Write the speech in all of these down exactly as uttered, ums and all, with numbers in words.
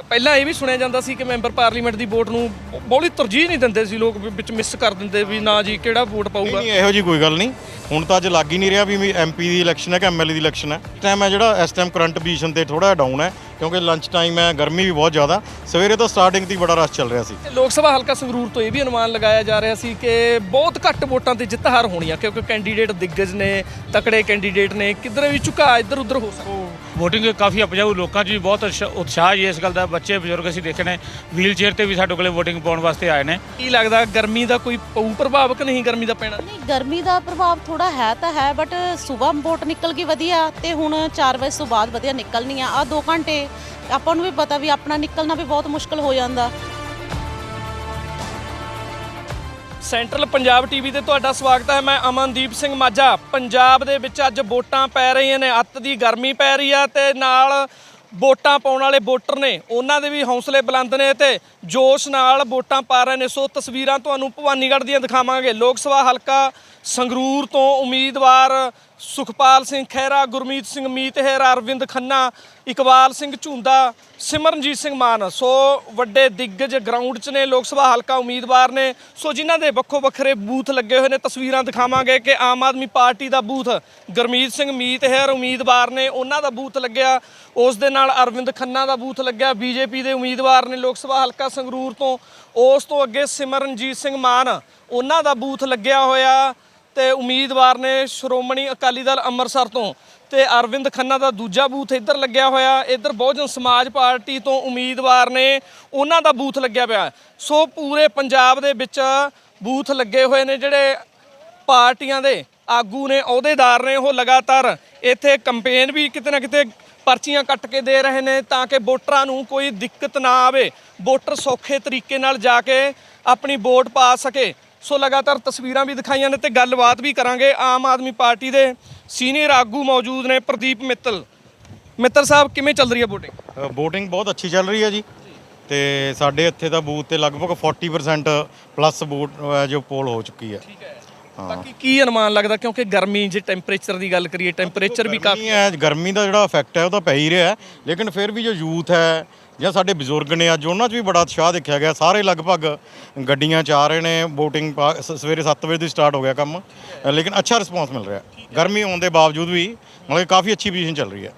ਪਹਿਲਾਂ ਇਹ ਵੀ ਸੁਣਿਆ ਜਾਂਦਾ ਸੀ ਕਿ ਮੈਂਬਰ ਪਾਰਲੀਮੈਂਟ ਦੀ ਵੋਟ ਨੂੰ ਬਹੁਤੀ ਤਰਜੀਹ ਨਹੀਂ ਦਿੰਦੇ ਸੀ ਲੋਕ, ਵਿੱਚ ਮਿਸ ਕਰ ਦਿੰਦੇ ਵੀ ਨਾ ਜੀ ਕਿਹੜਾ ਵੋਟ ਪਾਊਗਾ। ਨਹੀਂ ਇਹੋ ਜੀ ਕੋਈ ਗੱਲ ਨਹੀਂ, ਹੁਣ ਤਾਂ ਅੱਜ ਲੱਗ ਹੀ ਨਹੀਂ ਰਿਹਾ ਵੀ ਐਮਪੀ ਦੀ ਇਲੈਕਸ਼ਨ ਹੈ ਕਿ ਐਮਐਲਏ ਦੀ ਇਲੈਕਸ਼ਨ ਹੈ। ਇਸ ਟਾਈਮ ਹੈ ਜਿਹੜਾ ਇਸ ਟਾਈਮ ਕਰੰਟ ਪੋਜੀਸ਼ਨ ਤੇ ਥੋੜਾ ਡਾਊਨ ਹੈ ਕਿਉਂਕਿ ਲੰਚ ਟਾਈਮ ਹੈ, ਗਰਮੀ ਵੀ ਬਹੁਤ ਜ਼ਿਆਦਾ, ਸਵੇਰੇ ਤੋਂ ਸਟਾਰਟਿੰਗ ਦੀ ਬੜਾ ਰਸ਼ ਚੱਲ ਰਿਹਾ ਸੀ। ਲੋਕ ਸਭਾ ਹਲਕਾ ਸੰਗਰੂਰ ਤੋਂ ਇਹ ਵੀ ਅਨੁਮਾਨ ਲਗਾਇਆ ਜਾ ਰਿਹਾ ਸੀ ਕਿ ਬਹੁਤ ਘੱਟ ਵੋਟਾਂ ਤੇ ਜਿੱਤ ਹਾਰ ਹੋਣੀ ਆ ਕਿਉਂਕਿ ਕੈਂਡੀਡੇਟ ਦਿੱਗਜ ਨੇ, ਤਕੜੇ ਕੈਂਡੀਡੇਟ ਨੇ, ਕਿਧਰੇ ਵੀ ਝੁਕਾ ਇੱਧਰ ਉੱਧਰ ਹੋ ਸਕਦਾ। ਵੋਟਿੰਗ ਕਾਫੀ ਉਪਜਾਊ, ਲੋਕਾਂ 'ਚ ਵੀ ਬਹੁਤ ਉਤਸ਼ਾਹ ਜੀ ਇਸ ਗੱਲ ਦਾ। ਬੱਚੇ ਬਜ਼ੁਰਗ ਅਸੀਂ ਦੇਖੇ ਨੇ ਵੀਲ ਚੇਅਰ ਤੇ ਵੀ ਸਾਡੇ ਕੋਲੇ ਵੋਟਿੰਗ ਪਾਉਣ ਵਾਸਤੇ ਆਏ ਨੇ। ਕੀ ਲੱਗਦਾ ਗਰਮੀ ਦਾ ਕੋਈ ਪਊ ਪ੍ਰਭਾਵ ਕਿ ਨਹੀਂ ਗਰਮੀ ਦਾ ਪੈਣਾ? ਨਹੀਂ, ਗਰਮੀ ਦਾ ਪ੍ਰਭਾਵ ਥੋੜਾ ਹੈ ਤਾਂ ਹੈ, ਬਟ ਸਵੇਰ ਵੋਟ ਨਿਕਲ ਗਈ ਵਧੀਆ ਤੇ ਹੁਣ ਚਾਰ ਵਜੇ ਤੋਂ ਬਾਅਦ ਵਧੀਆ ਨਿਕਲਣੀ ਆ। ਆ ਦੋ ਘੰਟੇ ਆਪਾਂ ਨੂੰ ਵੀ ਪਤਾ ਵੀ ਆਪਣਾ ਨਿਕਲਣਾ ਵੀ ਬਹੁਤ ਮੁਸ਼ਕਲ ਹੋ ਜਾਂਦਾ। ਸੈਂਟਰਲ ਪੰਜਾਬ ਟੀਵੀ ਤੇ ਤੁਹਾਡਾ ਸਵਾਗਤ ਹੈ। ਮੈਂ ਅਮਨਦੀਪ ਸਿੰਘ ਮਾਝਾ। ਪੰਜਾਬ ਦੇ ਵਿੱਚ ਅੱਜ ਵੋਟਾਂ ਪੈ ਰਹੀਆਂ ਨੇ, ਅੱਤ ਦੀ ਗਰਮੀ ਪੈ ਰਹੀ ਆ ਤੇ ਨਾਲ ਵੋਟਾਂ ਪਾਉਣ ਵਾਲੇ ਵੋਟਰ ਨੇ ਉਹਨਾਂ ਦੇ ਵੀ ਹੌਸਲੇ ਬੁਲੰਦ ਨੇ ਤੇ ਜੋਸ਼ ਨਾਲ ਵੋਟਾਂ ਪਾ ਰਹੇ ਨੇ। ਸੋ ਤਸਵੀਰਾਂ ਤੁਹਾਨੂੰ ਭਵਾਨੀਗੜ੍ਹ ਦੀਆਂ ਦਿਖਾਵਾਂਗੇ। ਲੋਕ ਸਭਾ ਹਲਕਾ ਸੰਗਰੂਰ ਤੋਂ ਉਮੀਦਵਾਰ ਸੁਖਪਾਲ ਸਿੰਘ ਖਹਿਰਾ, ਗੁਰਮੀਤ ਸਿੰਘ ਮੀਤਹਿਰ, ਅਰਵਿੰਦ ਖੰਨਾ, ਇਕਬਾਲ ਸਿੰਘ ਝੁੰਦਾ, ਸਿਮਰਨਜੀਤ ਸਿੰਘ ਮਾਨ, ਸੋ ਵੱਡੇ ਦਿੱਗਜ ਗਰਾਊਂਡ 'ਚ ਨੇ, ਲੋਕ ਸਭਾ ਹਲਕਾ ਉਮੀਦਵਾਰ ਨੇ। ਸੋ ਜਿਨ੍ਹਾਂ ਦੇ ਵੱਖੋ ਵੱਖਰੇ ਬੂਥ ਲੱਗੇ ਹੋਏ ਨੇ, ਤਸਵੀਰਾਂ ਦਿਖਾਵਾਂਗੇ ਕਿ ਆਮ ਆਦਮੀ ਪਾਰਟੀ ਦਾ ਬੂਥ ਗੁਰਮੀਤ ਸਿੰਘ ਮੀਤਹਿਰ ਉਮੀਦਵਾਰ ਨੇ, ਉਹਨਾਂ ਦਾ ਬੂਥ ਲੱਗਿਆ। ਉਸ ਦੇ ਨਾਲ ਅਰਵਿੰਦ ਖੰਨਾ ਦਾ ਬੂਥ ਲੱਗਿਆ, ਬੀਜੇਪੀ ਦੇ ਉਮੀਦਵਾਰ ਨੇ ਲੋਕ ਸਭਾ ਹਲਕਾ ਸੰਗਰੂਰ ਤੋਂ। ਉਸ ਤੋਂ ਅੱਗੇ ਸਿਮਰਨਜੀਤ ਸਿੰਘ ਮਾਨ, ਉਹਨਾਂ ਦਾ ਬੂਥ ਲੱਗਿਆ ਹੋਇਆ ਤੇ ਉਮੀਦਵਾਰ ਨੇ ਸ਼੍ਰੋਮਣੀ ਅਕਾਲੀ ਦਲ ਅੰਮ੍ਰਿਤਸਰ ਤੋਂ। ਤੇ ਅਰਵਿੰਦ ਖੰਨਾ ਦਾ ਦੂਜਾ ਬੂਥ ਇੱਧਰ ਲੱਗਿਆ ਹੋਇਆ। ਇੱਧਰ ਬਹੁਜਨ ਸਮਾਜ ਪਾਰਟੀ ਤੋਂ ਉਮੀਦਵਾਰ ਨੇ, ਉਹਨਾਂ ਦਾ ਬੂਥ ਲੱਗਿਆ ਪਿਆ। ਸੋ ਪੂਰੇ ਪੰਜਾਬ ਦੇ ਵਿੱਚ ਬੂਥ ਲੱਗੇ ਹੋਏ ਨੇ। ਜਿਹੜੇ ਪਾਰਟੀਆਂ ਦੇ ਆਗੂ ਨੇ, ਅਹੁਦੇਦਾਰ ਨੇ, ਉਹ ਲਗਾਤਾਰ ਇੱਥੇ ਕੰਪੇਨ ਵੀ ਕਿਤੇ ਨਾ ਕਿਤੇ ਪਰਚੀਆਂ ਕੱਟ ਕੇ ਦੇ ਰਹੇ ਨੇ ਤਾਂ ਕਿ ਵੋਟਰਾਂ ਨੂੰ ਕੋਈ ਦਿੱਕਤ ਨਾ ਆਵੇ, ਵੋਟਰ ਸੌਖੇ ਤਰੀਕੇ ਨਾਲ ਜਾ ਕੇ ਆਪਣੀ ਵੋਟ ਪਾ ਸਕੇ। ਸੋ ਲਗਾਤਾਰ ਤਸਵੀਰਾਂ ਵੀ ਦਿਖਾਈਆਂ ਨੇ ਤੇ ਗੱਲਬਾਤ ਵੀ ਕਰਾਂਗੇ। ਆਮ ਆਦਮੀ ਪਾਰਟੀ ਦੇ ਸੀਨੀਅਰ ਆਗੂ ਮੌਜੂਦ ਨੇ, ਪ੍ਰਦੀਪ ਮਿੱਤਲ। ਮਿੱਤਲ ਸਾਹਿਬ, ਕਿਵੇਂ ਚੱਲ ਰਹੀ ਹੈ ਵੋਟਿੰਗ? ਵੋਟਿੰਗ ਬਹੁਤ ਅੱਛੀ ਚੱਲ ਰਹੀ ਹੈ ਜੀ ਤੇ ਸਾਡੇ ਇੱਥੇ ਦਾ ਬੂਥ ਤੇ ਲਗਭਗ ਚਾਲੀ ਪਰਸੈਂਟ ਪਲੱਸ ਵੋਟ ਜੋ ਪੋਲ ਹੋ ਚੁੱਕੀ ਹੈ। ਠੀਕ ਹੈ। ਬਾਕੀ ਕੀ ਅਨੁਮਾਨ ਲੱਗਦਾ ਕਿਉਂਕਿ ਗਰਮੀ, ਜੇ ਟੈਂਪਰੇਚਰ ਦੀ ਗੱਲ ਕਰੀਏ, ਟੈਂਪਰੇਚਰ ਵੀ ਕਾਫੀ ਹੈ, ਗਰਮੀ ਦਾ ਜਿਹੜਾ ਇਫੈਕਟ ਹੈ ਉਹ ਤਾਂ ਪੈ ਹੀ ਰਿਹਾ, ਲੇਕਿਨ ਫਿਰ ਵੀ ਜੋ ਯੂਥ ਹੈ ਜਾਂ ਸਾਡੇ ਬਜ਼ੁਰਗ ਨੇ, ਅੱਜ ਉਹਨਾਂ 'ਚ ਵੀ ਬੜਾ ਉਤਸ਼ਾਹ ਦੇਖਿਆ ਗਿਆ। ਸਾਰੇ ਲਗਭਗ ਗੱਡੀਆਂ 'ਚ ਆ ਰਹੇ ਨੇ। ਵੋਟਿੰਗ ਸਵੇਰੇ ਸੱਤ ਵਜੇ ਤੋਂ ਸਟਾਰਟ ਹੋ ਗਿਆ ਕੰਮ, ਲੇਕਿਨ ਅੱਛਾ ਰਿਸਪੌਂਸ ਮਿਲ ਰਿਹਾ। ਗਰਮੀ ਹੋਣ ਦੇ ਬਾਵਜੂਦ ਵੀ ਮਤਲਬ ਕਾਫੀ ਅੱਛੀ ਪੋਜੀਸ਼ਨ ਚੱਲ ਰਹੀ ਹੈ।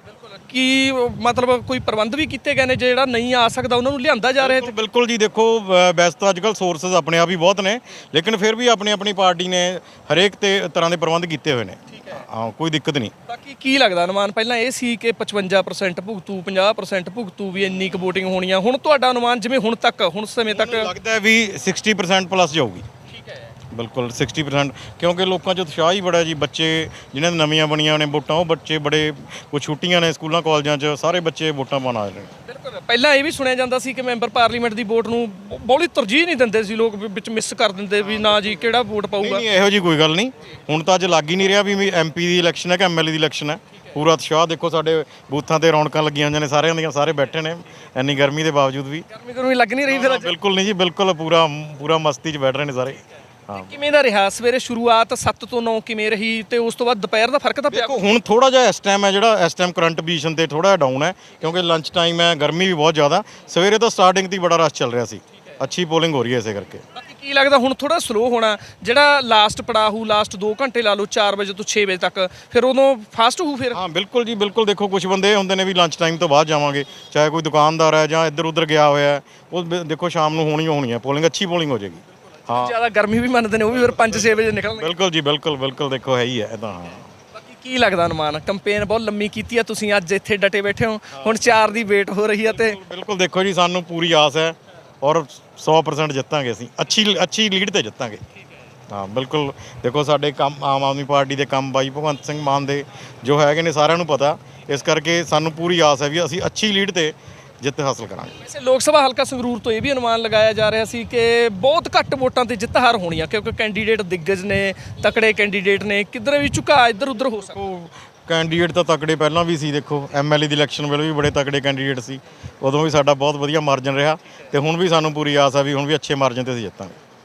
ਕੀ ਮਤਲਬ ਕੋਈ ਪ੍ਰਬੰਧ ਵੀ ਕੀਤੇ ਗਏ ਨੇ, ਜਿਹੜਾ ਨਹੀਂ ਆ ਸਕਦਾ ਉਹਨਾਂ ਨੂੰ ਲਿਆਂਦਾ ਜਾ ਰਿਹਾ? ਬਿਲਕੁਲ ਜੀ, ਦੇਖੋ ਵੈਸੇ ਤਾਂ ਅੱਜ ਕੱਲ੍ਹ ਸੋਰਸਸ ਆਪਣੇ ਆਪ ਹੀ ਬਹੁਤ ਨੇ, ਲੇਕਿਨ ਫਿਰ ਵੀ ਆਪਣੀ ਆਪਣੀ ਪਾਰਟੀ ਨੇ ਹਰੇਕ ਤੇ ਤਰ੍ਹਾਂ ਦੇ ਪ੍ਰਬੰਧ ਕੀਤੇ ਹੋਏ ਨੇ। ਹਾਂ, ਕੋਈ ਦਿੱਕਤ ਨਹੀਂ। ਬਾਕੀ ਕੀ ਲੱਗਦਾ ਅਨੁਮਾਨ? ਪਹਿਲਾਂ ਇਹ ਸੀ ਕਿ ਪਚਵੰਜਾ ਪਰਸੈਂਟ ਭੁਗਤੂ, ਪੰਜਾਹ ਪਰਸੈਂਟ ਭੁਗਤੂ, ਵੀ ਇੰਨੀ ਕੁ ਵੋਟਿੰਗ ਹੋਣੀ ਆ। ਹੁਣ ਤੁਹਾਡਾ ਅਨੁਮਾਨ ਜਿਵੇਂ ਹੁਣ ਤੱਕ, ਹੁਣ ਸਮੇਂ ਤੱਕ ਲੱਗਦਾ ਹੈ ਵੀ ਸਿਕਸਟੀ ਪਰਸੈਂਟ ਪਲੱਸ ਜਾਊਗੀ। ਬਿਲਕੁਲ ਸਿਕਸਟੀ ਪਰਸੈਂਟ, ਕਿਉਂਕਿ ਲੋਕਾਂ 'ਚ ਉਤਸ਼ਾਹ ਹੀ ਬੜਾ ਜੀ। ਬੱਚੇ ਜਿਨ੍ਹਾਂ ਦੀ ਨਵੀਆਂ ਬਣੀਆਂ ਨੇ ਵੋਟਾਂ, ਉਹ ਬੱਚੇ ਬੜੇ, ਕੁਝ ਛੁੱਟੀਆਂ ਨੇ ਸਕੂਲਾਂ ਕਾਲਜਾਂ 'ਚ, ਸਾਰੇ ਬੱਚੇ ਵੋਟਾਂ ਪਾਉਣ ਆ ਰਹੇ ਨੇ। ਬਿਲਕੁਲ। ਪਹਿਲਾਂ ਇਹ ਵੀ ਸੁਣਿਆ ਜਾਂਦਾ ਸੀ ਕਿ ਮੈਂਬਰ ਪਾਰਲੀਮੈਂਟ ਦੀ ਵੋਟ ਨੂੰ ਬਹੁਤੀ ਤਰਜੀਹ ਨਹੀਂ ਦਿੰਦੇ ਸੀ ਲੋਕ, ਵਿੱਚ ਮਿਸ ਕਰ ਦਿੰਦੇ ਵੀ ਨਾ ਜੀ ਕਿਹੜਾ ਵੋਟ ਪਾਊਗਾ। ਨਹੀਂ ਇਹੋ ਜੀ ਕੋਈ ਗੱਲ ਨਹੀਂ, ਹੁਣ ਤਾਂ ਅੱਜ ਲੱਗ ਹੀ ਨਹੀਂ ਰਿਹਾ ਵੀ ਐਮਪੀ ਦੀ ਇਲੈਕਸ਼ਨ ਹੈ ਕਿ ਐਮਐਲਏ ਦੀ ਇਲੈਕਸ਼ਨ ਹੈ। ਪੂਰਾ ਉਤਸ਼ਾਹ ਦੇਖੋ, ਸਾਡੇ ਬੂਥਾਂ ਤੇ ਰੌਣਕਾਂ ਲੱਗੀਆਂ ਹੋਈਆਂ ਨੇ, ਸਾਰਿਆਂ ਦੀਆਂ, ਸਾਰੇ ਬੈਠੇ ਨੇ ਇੰਨੀ ਗਰਮੀ ਦੇ ਬਾਵਜੂਦ ਵੀ। ਗਰਮੀ ਗਰਮੀ ਲੱਗ ਨਹੀਂ ਰਹੀ ਫਿਰ? ਬਿਲਕੁਲ ਨਹੀਂ ਜੀ, ਬਿਲਕੁਲ ਪੂਰਾ ਪੂਰਾ ਮਸਤੀ 'ਚ ਬੈਠ ਰਹੇ ਨੇ ਸਾਰੇ। ਕਿਵੇਂ ਦਾ ਰਿਹਾ ਸਵੇਰੇ ਸ਼ੁਰੂਆਤ? ਸੱਤ ਤੋਂ ਨੌ ਕਿਵੇਂ ਰਹੀ ਤੇ ਉਸ ਤੋਂ ਬਾਅਦ ਦੁਪਹਿਰ ਦਾ ਫਰਕ ਤਾਂ ਪਿਆ? ਦੇਖੋ ਹੁਣ ਥੋੜਾ ਜਿਹਾ ਇਸ ਟਾਈਮ ਹੈ ਜਿਹੜਾ ਇਸ ਟਾਈਮ ਕਰੰਟ ਪੋਜੀਸ਼ਨ ਤੇ ਥੋੜਾ ਡਾਊਨ ਹੈ ਕਿਉਂਕਿ ਲੰਚ ਟਾਈਮ ਹੈ, ਗਰਮੀ ਵੀ ਬਹੁਤ ਜ਼ਿਆਦਾ, ਸਵੇਰੇ ਤੋਂ ਸਟਾਰਟਿੰਗ ਦੀ ਬੜਾ ਰਸ਼ ਚੱਲ ਰਿਹਾ ਸੀ। ਅੱਛੀ ਪੋਲਿੰਗ ਹੋ ਰਹੀ ਹੈ ਇਸੇ ਕਰਕੇ। ਬਾਕੀ ਕੀ ਲੱਗਦਾ ਹੁਣ ਥੋੜਾ ਸਲੋ ਹੋਣਾ? ਜਿਹੜਾ ਲਾਸਟ ਪੜਾਹੂ, ਲਾਸਟ ਦੋ ਘੰਟੇ ਲਾ ਲਓ, ਚਾਰ ਵਜੇ ਤੋਂ ਛੇ ਵਜੇ ਤੱਕ, ਫਿਰ ਉਦੋਂ ਫਾਸਟ ਹੋਊ ਫਿਰ? ਹਾਂ ਬਿਲਕੁਲ ਜੀ, ਬਿਲਕੁਲ। ਦੇਖੋ ਕੁਝ ਬੰਦੇ ਹੁੰਦੇ ਨੇ ਵੀ ਲੰਚ ਟਾਈਮ ਤੋਂ ਬਾਅਦ ਜਾਵਾਂਗੇ, ਚਾਹੇ ਕੋਈ ਦੁਕਾਨਦਾਰ ਹੈ ਜਾਂ ਇੱਧਰ ਉੱਧਰ ਗਿਆ ਹੋਇਆ ਹੈ, ਉਹ ਦੇਖੋ ਸ਼ਾਮ ਨੂੰ ਹੋਣੀ ਹੋਣੀ ਹੈ ਪੋਲਿੰਗ, ਅੱਛੀ ਪੋਲਿੰਗ ਹੋ ਜਾਏਗੀ। ਹਾਂ, ਜ਼ਿਆਦਾ ਗਰਮੀ ਵੀ ਮੰਨਦੇ ਨੇ ਉਹ ਵੀ ਫਿਰ ਪੰਜ ਛੇ ਵਜੇ ਨਿਕਲਣਗੇ। ਬਿਲਕੁਲ ਜੀ, ਬਿਲਕੁਲ ਬਿਲਕੁਲ। ਦੇਖੋ ਹੈ ਹੀ ਹੈ ਇਹ ਤਾਂ। ਹਾਂ, ਬਾਕੀ ਕੀ ਲੱਗਦਾ ਅਨੁਮਾਨ? ਕੰਪੇਨ ਬਹੁਤ ਲੰਮੀ ਕੀਤੀ ਆ ਤੁਸੀਂ, ਅੱਜ ਇੱਥੇ ਡਟੇ ਬੈਠੇ ਹੋ, ਹੁਣ ਚਾਰ ਦੀ ਵੇਟ ਹੋ ਰਹੀ ਆ ਤੇ ਬਿਲਕੁਲ ਦੇਖੋ ਜੀ, ਸਾਨੂੰ ਪੂਰੀ ਆਸ ਹੈ ਔਰ ਸੌ ਪਰਸੈਂਟ ਜਿੱਤਾਂਗੇ ਅਸੀਂ, ਅੱਛੀ ਅੱਛੀ ਲੀਡ ਤੇ ਜਿੱਤਾਂਗੇ। ਹਾਂ ਬਿਲਕੁਲ। ਦੇਖੋ ਸਾਡੇ ਕੰਮ, ਆਮ ਆਦਮੀ ਪਾਰਟੀ ਦੇ ਕੰਮ ਬਾਈ ਭਗਵੰਤ ਸਿੰਘ ਮਾਨ ਦੇ ਜੋ ਹੈਗੇ ਨੇ ਸਾਰਿਆਂ ਨੂੰ ਪਤਾ, ਇਸ ਕਰਕੇ ਸਾਨੂੰ ਪੂਰੀ ਆਸ ਹੈ ਵੀ ਅਸੀਂ ਅੱਛੀ ਲੀਡ ਤੇ ਜਿੱਤ ਹਾਸਲ ਕਰਾਂਗੇ। ਵੈਸੇ ਲੋਕ ਸਭਾ ਹਲਕਾ ਸੰਗਰੂਰ ਤੋਂ ਇਹ ਵੀ ਅਨੁਮਾਨ ਲਗਾਇਆ ਜਾ ਰਿਹਾ ਸੀ ਕਿ ਬਹੁਤ ਘੱਟ ਵੋਟਾਂ ਤੇ ਜਿੱਤ ਹਾਰ ਹੋਣੀ ਆ ਕਿਉਂਕਿ ਕੈਂਡੀਡੇਟ ਦਿੱਗਜ ਨੇ, ਤਕੜੇ ਕੈਂਡੀਡੇਟ ਨੇ, ਕਿਧਰੇ ਵੀ ਝੁਕਾ ਇੱਧਰ ਉੱਧਰ ਹੋ ਸਕਦਾ। ਕੈਂਡੀਡੇਟ ਤਾਂ ਤਕੜੇ ਪਹਿਲਾਂ ਵੀ ਸੀ। ਦੇਖੋ ਐਮਐਲਏ ਦੀ ਇਲੈਕਸ਼ਨ ਵੇਲੇ ਵੀ ਬੜੇ ਤਕੜੇ ਕੈਂਡੀਡੇਟ ਸੀ, ਉਦੋਂ ਵੀ ਸਾਡਾ ਬਹੁਤ ਵਧੀਆ ਮਾਰਜਨ ਰਿਹਾ ਤੇ ਹੁਣ ਵੀ ਸਾਨੂੰ ਪੂਰੀ ਆਸ ਆ ਵੀ ਹੁਣ ਵੀ ਅੱਛੇ ਮਾਰਜਨ ਤੇ ਅਸੀਂ ਜਿੱਤਾਂਗੇ।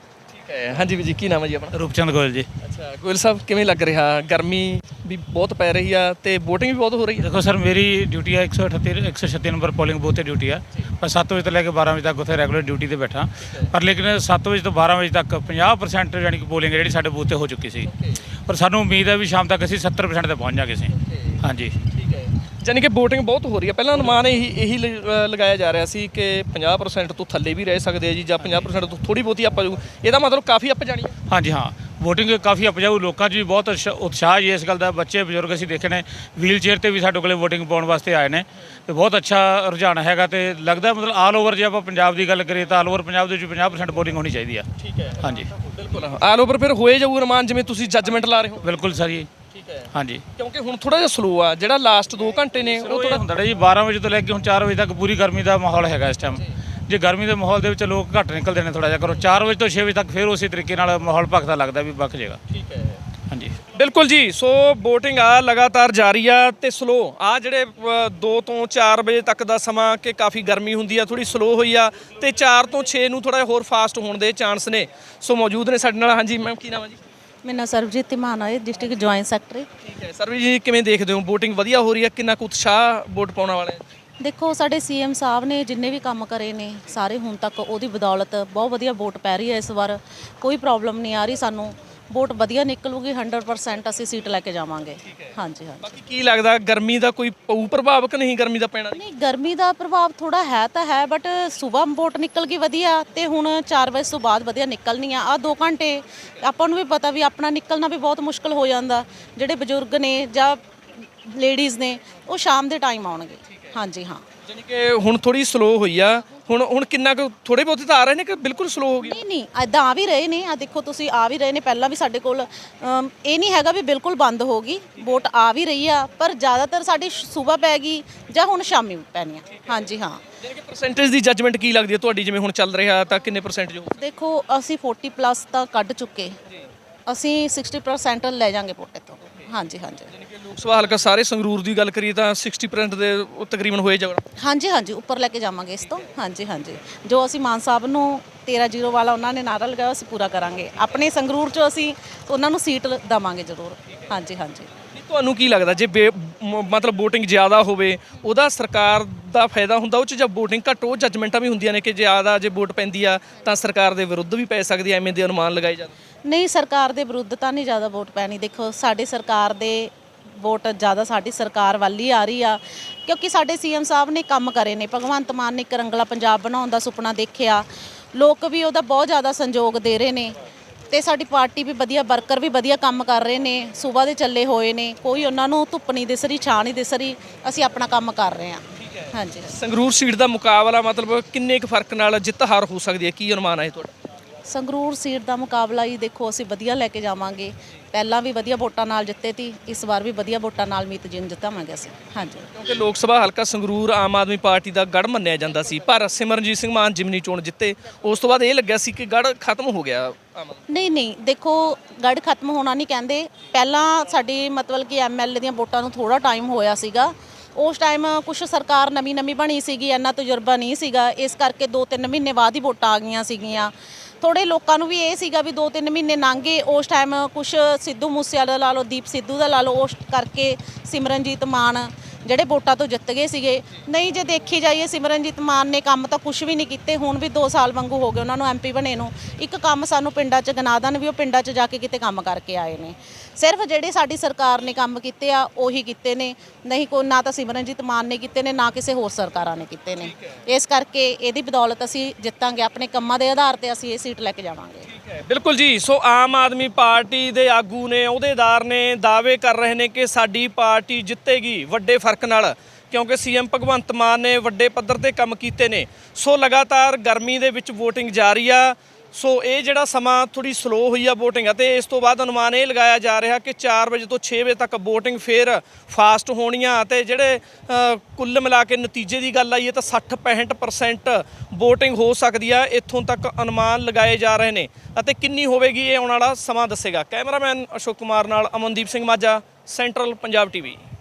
ਠੀਕ ਹੈ ਹਾਂਜੀ ਵੀਰ ਜੀ ਕੀ ਨਾਮ ਹੈ ਜੀ ਆਪਣਾ? ਰੂਪਚੰਦ ਗੋਇਲ ਜੀ। ਅੱਛਾ ਗੋਇਲ ਸਾਹਿਬ ਕਿਵੇਂ ਲੱਗ ਰਿਹਾ ਗਰਮੀ ਵੀ ਬਹੁਤ ਪੈ ਰਹੀ ਆ ਤੇ VOTING ਵੀ ਬਹੁਤ ਹੋ ਰਹੀ ਹੈ? ਦੇਖੋ ਸਰ ਮੇਰੀ ਡਿਊਟੀ ਆ ਇੱਕ ਸੌ ਅਠੱਤੀ ਇੱਕ ਸੌ ਛੱਤੀ ਨੰਬਰ ਪੋਲਿੰਗ ਬੂਥ ਤੇ ਡਿਊਟੀ ਆ। ਪਰ ਸੱਤ ਵਜੇ ਤੋਂ ਲੈ ਕੇ ਬਾਰਾਂ ਵਜੇ ਤੱਕ ਉੱਥੇ ਰੈਗੂਲਰ ਡਿਊਟੀ ਤੇ ਬੈਠਾ। ਪਰ ਲੇਕਿਨ ਸੱਤ ਵਜੇ ਤੋਂ ਬਾਰਾਂ ਵਜੇ ਤੱਕ ਪੰਜਾਹ ਪ੍ਰਸੈਂਟ ਯਾਨੀ ਕਿ ਪੋਲਿੰਗ ਜਿਹੜੀ ਸਾਡੇ ਬੂਥ ਤੇ ਹੋ ਚੁੱਕੀ ਸੀ। ਪਰ ਸਾਨੂੰ ਉਮੀਦ ਹੈ ਵੀ ਸ਼ਾਮ ਤੱਕ ਅਸੀਂ ਸੱਤਰ ਪ੍ਰਸੈਂਟ ਤੇ ਪਹੁੰਚ ਜਾਵਾਂਗੇ ਅਸੀਂ। ਹਾਂਜੀ ਠੀਕ ਹੈ ਯਾਨੀ ਕਿ VOTING ਬਹੁਤ ਹੋ ਰਹੀ ਹੈ। ਪਹਿਲਾਂ ਅਨੁਮਾਨ ਇਹੀ ਇਹੀ ਲ- ਅ, ਲਗਾਇਆ ਜਾ ਰਿਹਾ ਸੀ ਕਿ ਪੰਜਾਹ ਪ੍ਰਸੈਂਟ ਤੋਂ ਥੱਲੇ ਵੀ ਰਹਿ ਸਕਦੇ ਆ ਜੀ ਜਾਂ ਪੰਜਾਹ ਪ੍ਰਸੈਂਟ ਤੋਂ ਥੋੜੀ ਬਹੁਤੀ ਅੱਪ ਜਾਊ। ਇਹਦਾ ਮਤਲਬ ਕਾਫੀ ਅੱਪ ਜਾਣੀ ਹੈ। ਹਾਂਜੀ ਹਾਂ VOTING ਕਾਫੀ ਉਪਜਾਊ ਲੋਕਾਂ 'ਚ ਵੀ ਬਹੁਤ ਉਤਸ਼ਾ- ਉਤਸ਼ਾਹ ਜੀ ਇਸ ਗੱਲ ਦਾ। ਬੱਚੇ ਬਜ਼ੁਰਗ ਅਸੀਂ ਦੇਖੇ ਨੇ ਵੀਲ ਚੇਅਰ ਤੇ ਵੀ ਸਾਡੇ ਕੋਲੇ VOTING ਪਾਉਣ ਵਾਸਤੇ ਆਏ ਨੇ ਤੇ ਬਹੁਤ ਅੱਛਾ ਰੁਝਾਨ ਹੈਗਾ ਤੇ ਲੱਗਦਾ ਮਤਲਬ ਆਲ ਓਵਰ ਜੇ ਆਪਾਂ ਪੰਜਾਬ ਦੀ ਗੱਲ ਕਰੀਏ ਤਾਂ ਆਲ ਓਵਰ ਪੰਜਾਬ ਦੇ ਵਿੱਚ ਪੰਜਾਹ ਪ੍ਰਸੈਂਟ VOTING ਹੋਣੀ ਚਾਹੀਦੀ ਆ। ਠੀਕ ਹੈ ਹਾਂਜੀ ਬਿਲਕੁਲ ਆਲ ਓਵਰ ਫਿਰ ਹੋਏ ਜਾਊ ਅਨੁਮਾਨ ਜਿਵੇਂ ਤੁਸੀਂ ਜੱਜਮੈਂਟ ਲਾ ਰਹੇ ਹੋ? ਬਿਲਕੁਲ ਸਰ ਜੀ। ਠੀਕ ਹੈ ਹਾਂਜੀ ਕਿਉਂਕਿ ਹੁਣ ਥੋੜਾ ਜਿਹਾ ਸਲੋ ਆ ਜਿਹੜਾ ਲਾਸਟ ਦੋ ਘੰਟੇ ਨੇ ਉਹ ਉਹ ਥੋੜਾ ਹੁੰਦਾ ਜੀ ਬਾਰਾਂ ਵਜੇ ਤੋਂ ਲੈ ਕੇ ਹੁਣ ਚਾਰ ਵਜੇ ਤੱਕ ਪੂਰੀ ਗਰਮੀ ਦਾ ਮਾਹੌਲ ਹੈਗਾ ਇਸ ਟਾਈਮ। ਜੇ ਗਰਮੀ ਦੇ ਮਾਹੌਲ ਦੇ ਵਿੱਚ ਲੋਕ ਘੱਟ ਨਿਕਲਦੇ ਨੇ ਥੋੜਾ ਜਿਹਾ ਕਰੋ ਚਾਰ ਵਜੇ ਤੋਂ ਛੇ ਵਜੇ ਤੱਕ ਫਿਰ ਉਸੇ ਤਰੀਕੇ ਨਾਲ ਮਾਹੌਲ ਭਖਦਾ ਲੱਗਦਾ ਵੀ ਬਖ ਜਾਏਗਾ। ਠੀਕ ਹੈ ਹਾਂਜੀ ਬਿਲਕੁਲ ਜੀ। ਸੋ VOTING ਆ ਲਗਾਤਾਰ ਜਾਰੀ ਆ ਤੇ ਸਲੋ ਆ ਜਿਹੜੇ ਦੋ ਤੋਂ ਚਾਰ ਵਜੇ ਤੱਕ ਦਾ ਸਮਾਂ ਕਿ ਕਾਫੀ ਗਰਮੀ ਹੁੰਦੀ ਆ ਥੋੜੀ ਸਲੋ ਹੋਈ ਆ ਤੇ ਚਾਰ ਤੋਂ ਛੇ ਨੂੰ ਥੋੜਾ ਹੋਰ ਫਾਸਟ ਹੋਣ ਦੇ ਚਾਂਸ ਨੇ। ਸੋ ਮੌਜੂਦ ਨੇ ਸਾਡੇ ਨਾਲ। ਹਾਂਜੀ ਮੈਮ ਕੀ ਨਾਮ ਹੈ ਜੀ? ਮੇਰਾ ਨਾਂ ਸਰਬਜੀਤ ਧੀਮਾਨ ਹੈ, ਡਿਸਟ੍ਰਿਕਟ ਜੁਆਇੰਟ ਸੈਕਟਰੀ। ਠੀਕ ਹੈ ਸਰਵੀ ਜੀ ਕਿਵੇਂ ਦੇਖਦੇ ਹੋ VOTING ਵਧੀਆ ਹੋ ਰਹੀ ਆ? ਕਿੰਨਾ ਕੁ ਉਤਸ਼ਾਹ ਵੋਟ ਪਾਉਣ ਵਾਲੇ? ਦੇਖੋ ਸਾਡੇ ਸੀਐਮ ਸਾਹਿਬ ਨੇ ਜਿੰਨੇ ਵੀ ਕੰਮ ਕਰੇ ਨੇ ਸਾਰੇ ਹੁਣ ਤੱਕ ਉਹਦੀ ਬਦੌਲਤ ਬਹੁਤ ਵਧੀਆ ਵੋਟ ਪੈ ਰਹੀ ਹੈ। ਇਸ ਵਾਰ ਕੋਈ ਪ੍ਰੋਬਲਮ ਨਹੀਂ ਆ ਰਹੀ ਸਾਨੂੰ। ਵੋਟ ਵਧੀਆ ਨਿਕਲੂਗੀ ਹੰਡਰਡ ਪਰਸੈਂਟ ਅਸੀਂ ਸੀਟ ਲੈ ਕੇ ਜਾਵਾਂਗੇ। ਹਾਂਜੀ ਹਾਂਜੀ ਬਾਕੀ ਕੀ ਲੱਗਦਾ ਗਰਮੀ ਦਾ ਕੋਈ ਪਊ ਪ੍ਰਭਾਵ ਕਿ ਨਹੀਂ ਗਰਮੀ ਦਾ ਪੈਣਾ? ਨਹੀਂ ਗਰਮੀ ਦਾ ਪ੍ਰਭਾਵ ਥੋੜਾ ਹੈ ਤਾਂ ਹੈ ਬਟ ਸਵੇਰ ਵੋਟ ਨਿਕਲ ਗਈ ਵਧੀਆ ਤੇ ਹੁਣ ਚਾਰ ਵਜੇ ਤੋਂ ਬਾਅਦ ਵਧੀਆ ਨਿਕਲਣੀ ਆ। ਆ ਦੋ ਘੰਟੇ ਆਪਾਂ ਨੂੰ ਵੀ ਪਤਾ ਵੀ ਆਪਣਾ ਨਿਕਲਣਾ ਵੀ ਬਹੁਤ ਮੁਸ਼ਕਲ ਹੋ ਜਾਂਦਾ। ਜਿਹੜੇ ਬਜ਼ੁਰਗ ਨੇ ਜਾਂ ਲੇਡੀਜ਼ ਨੇ ਉਹ ਸ਼ਾਮ ਦੇ ਟਾਈਮ ਆਉਣਗੇ। ਹਾਂਜੀ ਹਾਂ ਯਾਨੀ ਕਿ ਹੁਣ ਥੋੜੀ ਸਲੋ ਹੋਈ ਆ। ਹੁਣ ਹੁਣ ਕਿੰਨਾ ਕੁ ਥੋੜੇ ਬਹੁਤੇ ਤਾਂ ਆ ਰਹੇ ਨੇ ਕਿ ਬਿਲਕੁਲ ਸਲੋ ਹੋ ਗਈ? ਨਹੀਂ ਨਹੀਂ ਐਦਾਂ ਆ ਵੀ ਰਹੇ ਨੇ। ਆ ਦੇਖੋ ਤੁਸੀਂ ਆ ਵੀ ਰਹੇ ਨੇ। ਪਹਿਲਾਂ ਵੀ ਸਾਡੇ ਕੋਲ ਅਮ, ਇਹ ਨਹੀਂ ਹੈਗਾ ਵੀ ਬਿਲਕੁਲ ਬੰਦ ਹੋ ਗਈ। ਵੋਟ ਆ ਵੀ ਰਹੀ ਆ ਪਰ ਜ਼ਿਆਦਾਤਰ ਸਾਡੀ ਸਵੇਰ ਪੈ ਗਈ ਜਾਂ ਹੁਣ ਸ਼ਾਮੀ ਪੈਣੀ ਆ। ਹਾਂਜੀ ਹਾਂ ਯਾਨੀ ਕਿ ਪਰਸੈਂਟੇਜ ਦੀ ਜੱਜਮੈਂਟ ਕੀ ਲੱਗਦੀ ਹੈ ਤੁਹਾਡੀ? ਜਿਵੇਂ ਹੁਣ ਚੱਲ ਰਿਹਾ ਤਾਂ ਕਿੰਨੇ ਪਰਸੈਂਟੇਜ ਹੋ? ਦੇਖੋ ਅਸੀਂ ਚਾਲੀ ਪਲੱਸ ਤਾਂ ਕੱਢ ਚੁੱਕੇ। ਅਸੀਂ ਸਾਠ ਪਰਸੈਂਟ ਲੈ ਜਾਾਂਗੇ ਵੋਟੇ ਤੋਂ। ਹਾਂਜੀ ਹਾਂਜੀ ਯਾਨੀ ਕਿ ਲੋਕ ਸਭਾ ਹਲਕਾ ਸਾਰੇ ਸੰਗਰੂਰ ਦੀ ਗੱਲ ਕਰੀਏ ਤਾਂ ਸਾਠ ਪਰਸੈਂਟ ਦੇ ਉਹ ਤਕਰੀਬਨ ਹੋਏ ਜਾਣਾ। ਹਾਂਜੀ ਹਾਂਜੀ ਉੱਪਰ ਲੈ ਕੇ ਜਾਵਾਂਗੇ ਇਸ ਤੋਂ। ਹਾਂਜੀ ਹਾਂਜੀ ਜੋ ਅਸੀਂ ਮਾਨ ਸਾਹਿਬ ਨੂੰ ਤੇਰਾਂ ਜ਼ੀਰੋ ਵਾਲਾ ਉਹਨਾਂ ਨੇ ਨਾਰਾ ਲਗਾਇਆ ਅਸੀਂ ਪੂਰਾ ਕਰਾਂਗੇ। ਆਪਣੇ ਸੰਗਰੂਰ 'ਚ ਅਸੀਂ ਉਹਨਾਂ ਨੂੰ ਸੀਟ ਦੇਵਾਂਗੇ ਜ਼ਰੂਰ। ਹਾਂਜੀ ਹਾਂਜੀ ਨਹੀਂ, ਤੁਹਾਨੂੰ ਕੀ ਲੱਗਦਾ ਜੇ ਬੇ- ਮ- ਮਤਲਬ VOTING ਜ਼ਿਆਦਾ ਹੋਵੇ ਉਹਦਾ ਸਰਕਾਰ ਦਾ ਫਾਇਦਾ ਹੁੰਦਾ? ਉਹ 'ਚ ਜਦ VOTING ਘੱਟ ਉਹ ਜੱਜਮੈਂਟਾਂ ਵੀ ਹੁੰਦੀਆਂ ਨੇ ਕਿ ਜ਼ਿਆਦਾ ਜੇ ਵੋਟ ਪੈਂਦੀ ਆ ਤਾਂ ਸਰਕਾਰ ਦੇ ਵਿਰੁੱਧ ਵੀ ਪੈ ਸਕਦੀ ਐ, ਐਵੇਂ ਦੇ ਅਨੁਮਾਨ ਲਗਾਏ ਜਾਂਦੇ? ਨਹੀਂ ਸਰਕਾਰ ਦੇ ਵਿਰੁੱਧ ਤਾਂ ਨਹੀਂ ਜ਼ਿਆਦਾ ਵੋਟ ਪੈਣੀ। ਦੇਖੋ ਸਾਡੀ ਸਰਕਾਰ ਦੇ ਵੋਟ ਜ਼ਿਆਦਾ ਸਾਡੀ ਸਰਕਾਰ ਵੱਲ ਹੀ ਆ ਰਹੀ ਆ ਕਿਉਂਕਿ ਸਾਡੇ ਸੀਐਮ ਸਾਹਿਬ ਨੇ ਕੰਮ ਕਰੇ ਨੇ। ਭਗਵੰਤ ਮਾਨ ਨੇ ਇੱਕ ਰੰਗਲਾ ਪੰਜਾਬ ਬਣਾਉਣ ਦਾ ਸੁਪਨਾ ਦੇਖਿਆ। ਲੋਕ ਵੀ ਉਹਦਾ ਬਹੁਤ ਜ਼ਿਆਦਾ ਸੰਯੋਗ ਦੇ ਰਹੇ ਨੇ ਤੇ ਸਾਡੀ ਪਾਰਟੀ ਵੀ ਵਧੀਆ ਵਰਕਰ ਵੀ ਵਧੀਆ ਕੰਮ ਕਰ ਰਹੇ ਨੇ। ਸਵੇਰ ਦੇ ਚੱਲੇ ਹੋਏ ਨੇ। ਕੋਈ ਉਹਨਾਂ ਨੂੰ ਧੁੱਪ ਨਹੀਂ ਦਿਸ ਰਹੀ ਛਾਂ ਨਹੀਂ ਦਿਸ ਰਹੀ। ਅਸੀਂ ਆਪਣਾ ਕੰਮ ਕਰ ਰਹੇ ਹਾਂ। ਹਾਂਜੀ ਸੰਗਰੂਰ ਸੀਟ ਦਾ ਮੁਕਾਬਲਾ ਮਤਲਬ ਕਿੰਨੇ ਕੁ ਫਰਕ ਨਾਲ ਜਿੱਤ ਹਾਰ ਹੋ ਸਕਦੀ ਹੈ? ਕੀ ਅਨੁਮਾਨ ਹੈ ਤੁਹਾਡਾ? ਸੰਗਰੂਰ ਸੀਟ ਦਾ ਮੁਕਾਬਲਾ ਹੀ ਦੇਖੋ ਅਸੀਂ ਵਧੀਆ ਲੈ ਕੇ ਜਾਵਾਂਗੇ। ਪਹਿਲਾਂ ਵੀ ਵਧੀਆ ਵੋਟਾਂ ਨਾਲ ਜਿੱਤੇ ਤੀ। ਇਸ ਵਾਰ ਵੀ ਵਧੀਆ ਵੋਟਾਂ ਨਾਲ ਮੀਤ ਜਿੰਨ ਜਿੱਤਾਵਾਂਗੇ ਅਸੀਂ। ਹਾਂਜੀ ਕਿਉਂਕਿ ਲੋਕ ਸਭਾ ਹਲਕਾ ਸੰਗਰੂਰ ਆਮ ਆਦਮੀ ਪਾਰਟੀ ਦਾ ਗੜ੍ਹ ਮੰਨਿਆ ਜਾਂਦਾ ਸੀ ਪਰ ਸਿਮਰਨਜੀਤ ਸਿੰਘ ਮਾਨ ਜਿਮਨੀ ਚੋਣ ਜਿੱਤੇ ਉਸ ਤੋਂ ਬਾਅਦ ਇਹ ਲੱਗਿਆ ਸੀ ਕਿ ਗੜ੍ਹ ਖਤਮ ਹੋ ਗਿਆ ਆਮ ਆਦਮੀ। ਨਹੀਂ ਨਹੀਂ ਦੇਖੋ ਗੜ੍ਹ ਖਤਮ ਹੋਣਾ ਨਹੀਂ ਕਹਿੰਦੇ। ਪਹਿਲਾਂ ਸਾਡੀ ਮਤਲਬ ਕਿ ਐਮਐਲਏ ਦੀਆਂ ਵੋਟਾਂ ਨੂੰ ਥੋੜਾ ਟਾਈਮ ਹੋਇਆ ਸੀਗਾ। ਉਸ ਟਾਈਮ ਕੁਝ ਸਰਕਾਰ ਨਵੀਂ ਨਵੀਂ ਬਣੀ ਸੀਗੀ ਇੰਨਾ ਤਜਰਬਾ ਨਹੀਂ ਸੀਗਾ। ਇਸ ਕਰਕੇ ਦੋ ਤਿੰਨ ਮਹੀਨੇ ਬਾਅਦ ਹੀ ਵੋਟਾਂ ਆ ਗਈਆਂ ਸੀਗੀਆਂ। ਥੋੜੇ ਲੋਕਾਂ ਨੂੰ ਵੀ ਇਹ ਸੀਗਾ ਵੀ ਦੋ ਤਿੰਨ ਮਹੀਨੇ ਲੰਘੇ। ਉਸ ਟਾਈਮ ਕੁਝ ਸਿੱਧੂ ਮੂਸੇਵਾਲੇ ਦਾ ਲਾ ਲਓ ਦੀਪ ਸਿੱਧੂ ਦਾ ਲਾ ਲਓ ਉਸ ਕਰਕੇ ਸਿਮਰਨਜੀਤ ਮਾਨ ਜਿਹੜੇ ਵੋਟਾਂ ਤੋਂ ਜਿੱਤ ਗਏ ਸੀਗੇ। ਨਹੀਂ ਜੇ ਦੇਖੀ ਜਾਈਏ ਸਿਮਰਨਜੀਤ ਮਾਨ ਨੇ ਕੰਮ ਤਾਂ ਕੁਝ ਵੀ ਨਹੀਂ ਕੀਤੇ। ਹੁਣ ਵੀ ਦੋ ਸਾਲ ਵਾਂਗੂ ਹੋ ਗਏ ਉਹਨਾਂ ਨੂੰ ਐਮਪੀ ਬਣੇ ਨੂੰ। ਇੱਕ ਕੰਮ ਸਾਨੂੰ ਪਿੰਡਾਂ 'ਚ ਗਿਣਾ ਦੇਣ ਵੀ ਉਹ ਪਿੰਡਾਂ 'ਚ ਜਾ ਕੇ ਕਿਤੇ ਕੰਮ ਕਰਕੇ ਆਏ ਨੇ। ਸਿਰਫ ਜਿਹੜੇ ਸਾਡੀ ਸਰਕਾਰ ਨੇ ਕੰਮ ਕੀਤੇ ਆ ਉਹੀ ਕੀਤੇ ਨੇ। ਨਹੀਂ ਕੋਈ ਨਾ ਤਾਂ ਸਿਮਰਨਜੀਤ ਮਾਨ ਨੇ ਕੀਤੇ ਨੇ ਨਾ ਕਿਸੇ ਹੋਰ ਸਰਕਾਰਾਂ ਨੇ ਕੀਤੇ ਨੇ। ਇਸ ਕਰਕੇ ਇਹਦੀ ਬਦੌਲਤ ਅਸੀਂ ਜਿੱਤਾਂਗੇ। ਆਪਣੇ ਕੰਮਾਂ ਦੇ ਆਧਾਰ ਤੇ ਅਸੀਂ ਇਹ ਸੀਟ ਲੈ ਕੇ ਜਾਵਾਂਗੇ। ਬਿਲਕੁਲ ਜੀ। ਸੋ ਆਮ ਆਦਮੀ ਪਾਰਟੀ ਦੇ ਆਗੂ ਨੇ ਅਹੁਦੇਦਾਰ ਨੇ ਦਾਅਵੇ ਕਰ ਰਹੇ ਨੇ ਕਿ ਸਾਡੀ ਪਾਰਟੀ ਜਿੱਤੇਗੀ ਵੱਡੇ ਫਰਕ ਨਾਲ ਕਿਉਂਕਿ ਸੀਐਮ ਭਗਵੰਤ ਮਾਨ ਨੇ ਵੱਡੇ ਪੱਧਰ ਤੇ ਕੰਮ ਕੀਤੇ ਨੇ। ਸੋ ਲਗਾਤਾਰ ਗਰਮੀ ਦੇ ਵਿੱਚ VOTING ਜਾਰੀ ਆ। ਸੋ ਇਹ ਜਿਹੜਾ ਸਮਾਂ ਥੋੜੀ ਸਲੋ ਹੋਈ ਆ VOTING ਅਤੇ ਇਸ ਤੋਂ ਬਾਅਦ ਅਨੁਮਾਨ ਇਹ ਲਗਾਇਆ ਜਾ ਰਿਹਾ ਕਿ ਚਾਰ ਵਜੇ ਤੋਂ ਛੇ ਵਜੇ ਤੱਕ VOTING ਫੇਰ ਫਾਸਟ ਹੋਣੀਆਂ ਅਤੇ ਜਿਹੜੇ ਕੁੱਲ ਮਿਲਾ ਕੇ ਨਤੀਜੇ ਦੀ ਗੱਲ ਆਈਏ ਤਾਂ ਸੱਠ ਪੈਂਹਠ ਪਰਸੈਂਟ VOTING ਹੋ ਸਕਦੀ ਆ। ਇੱਥੋਂ ਤੱਕ ਅਨੁਮਾਨ ਲਗਾਏ ਜਾ ਰਹੇ ਨੇ ਅਤੇ ਕਿੰਨੀ ਹੋਵੇਗੀ ਇਹ ਆਉਣ ਵਾਲਾ ਸਮਾਂ ਦੱਸੇਗਾ। ਕੈਮਰਾਮੈਨ ਅਸ਼ੋਕ ਕੁਮਾਰ ਨਾਲ ਅਮਨਦੀਪ ਸਿੰਘ ਮਾਝਾ, ਸੈਂਟਰਲ ਪੰਜਾਬ ਟੀਵੀ।